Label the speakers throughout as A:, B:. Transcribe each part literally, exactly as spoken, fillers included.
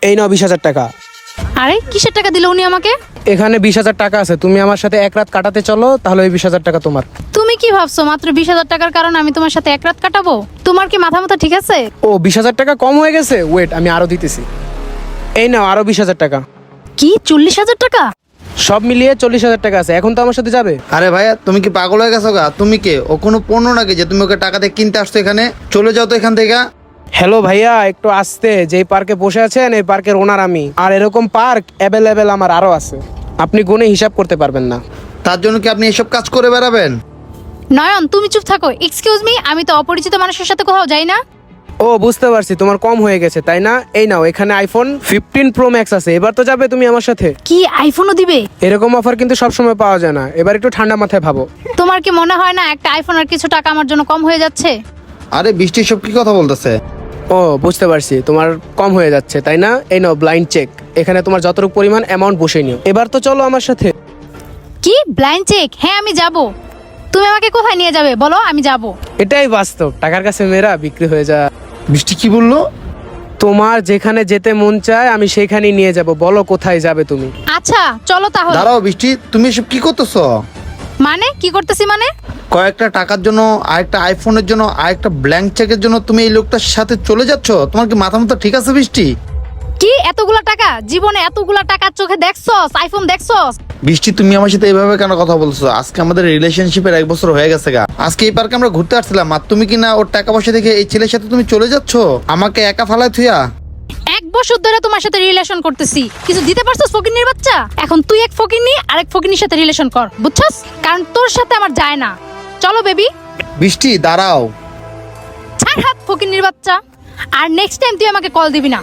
A: এই নাও বিশ হাজার টাকা।
B: আরে কিসের টাকা দিল উনি আমাকে?
A: এখানে বিশ হাজার টাকা আছে, তুমি আমার সাথে এক রাত কাটাতে চলো, তাহলে ওই বিশ হাজার টাকা তোমার।
B: তুমি কি ভাবছো মাত্র বিশ হাজার টাকার কারণে আমি তোমার সাথে এক রাত কাটাবো? তোমার কি মাথা মাথা ঠিক আছে?
A: ও বিশ হাজার টাকা কম হয়ে গেছে, ওয়েট আমি আরো দিতেছি। এই নাও আরো বিশ হাজার টাকা।
B: কি চল্লিশ হাজার টাকা?
A: সব মিলিয়ে চল্লিশ হাজার টাকা আছে। এখন তো আমার সাথে যাবে?
C: আরে ভাইয়া তুমি কি পাগল হয়ে গেছো গা? তুমি কে? ও কোনো পণ্য নাকি যে তুমি ওকে টাকা দিয়ে কিনতে আসছো? এখানে চলে যাও তো এখান থেকে।
A: হ্যালো ভাইয়া, একটু আসতে। যেই পার্কে বসে আছেন এই পার্কের ওনার আমি, আর এরকম পার্ক অ্যাভেলেবেল আমার আরো আছে, আপনি গুণে হিসাব করতে পারবেন না।
C: তার জন্য কি আপনি এসব কাজ করে বেড়াবেন?
B: নয়ন তুমি চুপ থাকো। এক্সকিউজ মি, আমি তো অপরিচিত মানুষের সাথে কোথাও যাই না।
A: ও বুঝতে পারছি, তোমার কম হয়ে গেছে তাই না? এই নাও, এখানে আইফোন ফিফটিন প্রো ম্যাক্স আছে, এবার তো যাবে তুমি আমার সাথে।
B: কি আইফোনও দিবে?
A: এরকম অফার কিন্তু সবসময় পাওয়া যায় না, এবার একটু ঠান্ডা মাথায় ভাবো।
B: তোমার কি মনে হয় না একটা আইফোন আর কিছু টাকা আমার জন্য কম হয়ে যাচ্ছে?
C: আরে বৃষ্টি সব কি কথা বলতেছে?
A: ও বুঝতে পারছি, তোমার কম হয়ে যাচ্ছে তাই না? এই নাও ব্লাইন্ড চেক, এখানে তোমার যতটুকু পরিমাণ অ্যামাউন্ট বসে নিও। এবার তো চলো আমার সাথে।
B: কি ব্লাইন্ড চেক? হ্যাঁ আমি যাব। তুমি আমাকে কোথায় নিয়ে যাবে বলো, আমি যাব।
A: এটাই বাস্তব, টাকার কাছে মেয়েরা বিক্রি হয়ে যায়।
C: বৃষ্টি কি বললো?
A: তোমার যেখানে যেতে মন চায় আমি সেখানেই নিয়ে যাব, বলো কোথায় যাবে তুমি।
B: আচ্ছা চলো তাহলে।
C: দাঁড়াও বৃষ্টি, তুমি এসব কি করতেছো?
B: মানে কি করতেছি মানে?
C: কয়েকটা টাকার জন্য, আরেকটা আইফোনের জন্য, আরেকটা ব্ল্যাঙ্ক চেকের জন্য তুমি এই লোকটার সাথে চলে যাচ্ছ? তোমার কি মাথা মাথা ঠিক আছে বৃষ্টি?
B: কি এতগুলা টাকা? জীবনে এতগুলা টাকার চোখে দেখছস? আইফোন দেখছস?
C: বৃষ্টি তুমি আমার সাথে এইভাবে কেন কথা বলছো? আজকে আমাদের রিলেশনশিপের এক বছর হয়ে গেছে গা। আজকে এই পার্কে আমরা ঘুরতে আসছিলাম, আর তুমি কি না ওর টাকা পয়সা দেখে এই ছেলের সাথে তুমি চলে যাচ্ছ আমাকে একা ফালায় থুইয়া?
B: এক বছর ধরে তোমার সাথে রিলেশন করতেছি, কিছু দিতে পারছস ফকিন্নির বাচ্চা? এখন তুই এক ফকিন্নি আর এক ফকিন্নির সাথে রিলেশন কর, বুঝছস? কারণ তোর সাথে আমার যায় না। চলো বেবি।
C: বৃষ্টি দাঁড়াও।
B: ছাড় হাত ফকিন্নির বাচ্চা, আর নেক্সট টাইম তুই আমাকে কল দিবি না।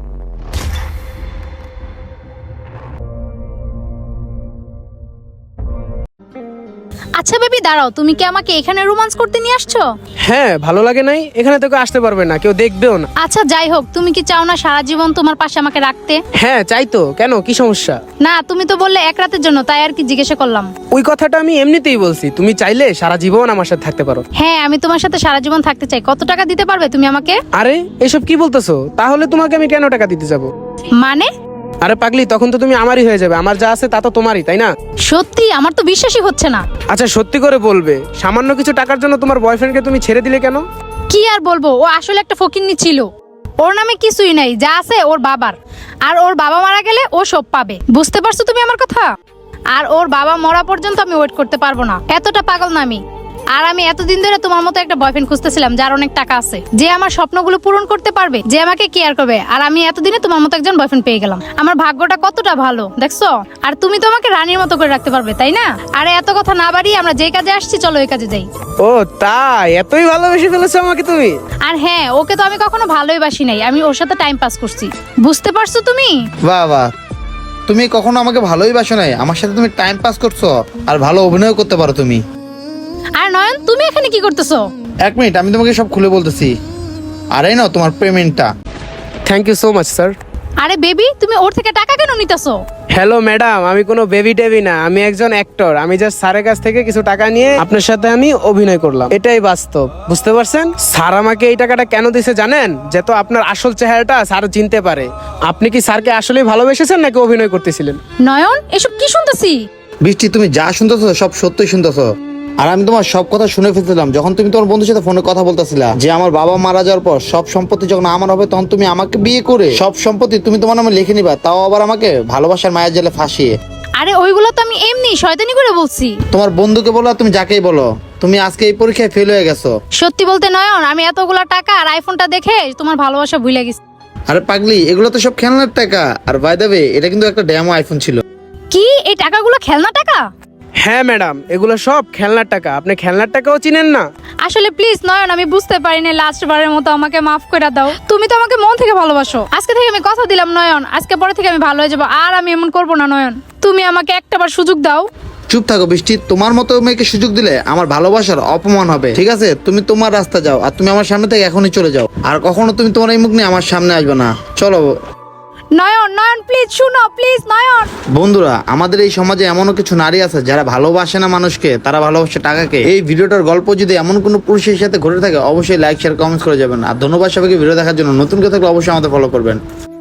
B: আচ্ছা বেবি দাঁড়াও, তুমি কি আমাকে এখানে রোমান্স করতে নিয়ে আসছো?
A: হ্যাঁ, ভালো লাগে নাই? এখানে তো কেউ আসতে পারবে না, কেউ দেখবেও না।
B: আচ্ছা যাই হোক, তুমি কি চাও না সারা জীবন তোমার পাশে আমাকে রাখতে?
A: হ্যাঁ চাই তো, কেন কি সমস্যা?
B: না তুমি তো বললে এক রাতের জন্য, তাই আর কি জিজ্ঞাসা করলাম।
A: ওই কথাটা আমি এমনিতেই বলছি, তুমি চাইলে সারা জীবন আমার সাথে থাকতে পারো।
B: হ্যাঁ আমি তোমার সাথে সারা জীবন থাকতে চাই। কত টাকা দিতে পারবে তুমি আমাকে?
A: আরে এসব কি বলতেছো? তাহলে তোমাকে আমি কেন টাকা দিতে যাব?
B: মানে?
A: আরে পাগলি, তখন তো তুমি আমারই হয়ে যাবে, আমার যা আছে তা তো তোমারই, তাই না?
B: সত্যি? আমার তো বিশ্বাসই হচ্ছে না।
A: আচ্ছা সত্যি করে বলবে, সামান্য কিছু টাকার জন্য তোমার বয়ফ্রেন্ডকে তুমি ছেড়ে দিলে কেন?
B: কি আর বলবো, ও আসলে একটা ফকিন্নি ছিল। ওর নামে কিছুই নাই, যা আছে ওর বাবার। আর ওর বাবা মারা গেলে ও সব পাবে, বুঝতে পারছো তুমি আমার কথা? আর ওর বাবা মরা পর্যন্ত আমি ওয়েট করতে পারবো না, এতটা পাগল না আমি। আর আমি এতদিন ধরে তোমার মতো একটা বয়ফ্রেন্ড খুঁজতেছিলাম যার অনেক টাকা আছে, যে আমার স্বপ্নগুলো পূরণ করতে পারবে, যে আমাকে কেয়ার করবে। আর আমি এতদিনে তোমার মতো একজন বয়ফ্রেন্ড পেয়ে গেলাম। আমার ভাগ্যটা কতটা ভালো দেখছো? আর তুমি তো আমাকে রানীর মতো করে রাখতে পারবে, তাই না? আরে এত কথা না বাড়িয়ে আমরা যে কাজে আসছি চলো ওই কাজে যাই।
A: ও তাই, এতই ভালোবেসে ফেলেছো আমাকে তুমি?
B: আর হ্যাঁ, ওকে তো আমি কখনো ভালোই বাসি নাই, আমি ওর সাথে টাইম পাস করছি, বুঝতে পারছো তুমি?
C: বাহ বাহ, তুমি কখনো আমাকে ভালোই বাসো নাই, আমার সাথে তুমি টাইম পাস করছো, আর ভালো অভিনয় করতে পারো তুমি।
B: আর নয়ন তুমি এখানে কি করতেছো?
C: এক মিনিট, আমি তোমাকে সব খুলে বলতেছি। আরে না তোমার পেমেন্টটা।
A: Thank you so much sir.
B: আরে বেবি, তুমি ওর থেকে টাকা কেন নিতেছো?
A: হ্যালো ম্যাডাম, আমি কোনো বেবি টেবি না, আমি একজন অ্যাক্টর। আমি জাস্ট স্যারের কাছ থেকে কিছু টাকা নিয়ে আপনার সাথে আমি অভিনয় করলাম, এটাই বাস্তব, বুঝতে পারছেন? স্যার আমাকে এই টাকাটা কেন দিছে জানেন? যে তো আপনার আসল চেহারাটা স্যার চিনতে পারে। আপনি কি স্যারকে আসলেই ভালোবেসেছেন নাকি অভিনয় করতেছিলেন?
B: নয়ন এসব কি শুনতেছি?
C: বৃষ্টি তুমি যা শুনতেছো সব সত্যই শুনতেছো। আর আমি তোমার সব কথা শুনে ফেলছিলাম যখন তুমি তোমার বন্ধুর সাথে ফোনে কথা বলতেছিলা যে আমার বাবা মারা যাওয়ার পর সব সম্পত্তি যখন আমার হবে তখন তুমি আমাকে বিয়ে করে সব সম্পত্তি তুমি তোমার নামে লিখে নিবা, তাও আবার আমাকে ভালোবাসার মায়ের জেলে ফাঁসিয়ে।
B: আরে ওইগুলো তো আমি এমনি শয়তানি করে বলছি।
C: তোমার বন্ধুকে বলো আর তুমি যাকেই বলো, তুমি আজকে এই পরীক্ষায় ফেল হয়ে গেছো।
B: সত্যি বলতে নয়ন, আমি এতগুলা টাকা আর আইফোনটা দেখে তোমার ভালোবাসা ভুলে গেছি।
C: আরে পাগলি, এগুলো তো সব খেলনার টাকা। আর বাই দ্য ওয়ে, এটা কিন্তু একটা ডেমো আইফোন ছিল।
B: কি এই টাকাগুলো খেলনা টাকা?
A: হ্যাঁ ম্যাডাম, এগুলো সব খেলনার টাকা। আপনি খেলনার টাকাও চিনেন না?
B: আসলে প্লিজ নয়ন, আমি বুঝতে পারিনি, লাস্ট বারের মতো আমাকে মাফ করে দাও। তুমি তো আমাকে মন থেকে ভালোবাসো। আজকে থেকে আমি কথা দিলাম নয়ন, আজকে পরে থেকে আমি ভালো হয়ে যাবো, আর আমি এমন করবো না নয়ন। তুমি আমাকে একটাবার সুযোগ দাও।
C: চুপ থাকো বৃষ্টি, তোমার মতো মেয়েকে সুযোগ দিলে আমার ভালোবাসার অপমান হবে, ঠিক আছে? তুমি তোমার রাস্তা যাও, আর তুমি আমার সামনে থেকে এখনই চলে যাও, আর কখনো তুমি তোমার এই মুখ নিয়ে আমার সামনে আসবে না। চলো
B: নয়ন, নয়ন প্লিজ শুনো, প্লিজ নয়ন।
C: বন্ধুরা, আমাদের এই সমাজে এমনও কিছু নারী আছে যারা ভালোবাসে না মানুষকে, তারা ভালোবাসে টাকাকে। এই ভিডিওটার গল্প যদি এমন কোনো পুরুষের সাথে ঘটে থাকে অবশ্যই লাইক শেয়ার কমেন্টস করে যাবেন। আর ধন্যবাদ সবাইকে ভিডিও দেখার জন্য। নতুন কেউ থাকলে অবশ্যই আমাদের ফলো করবেন।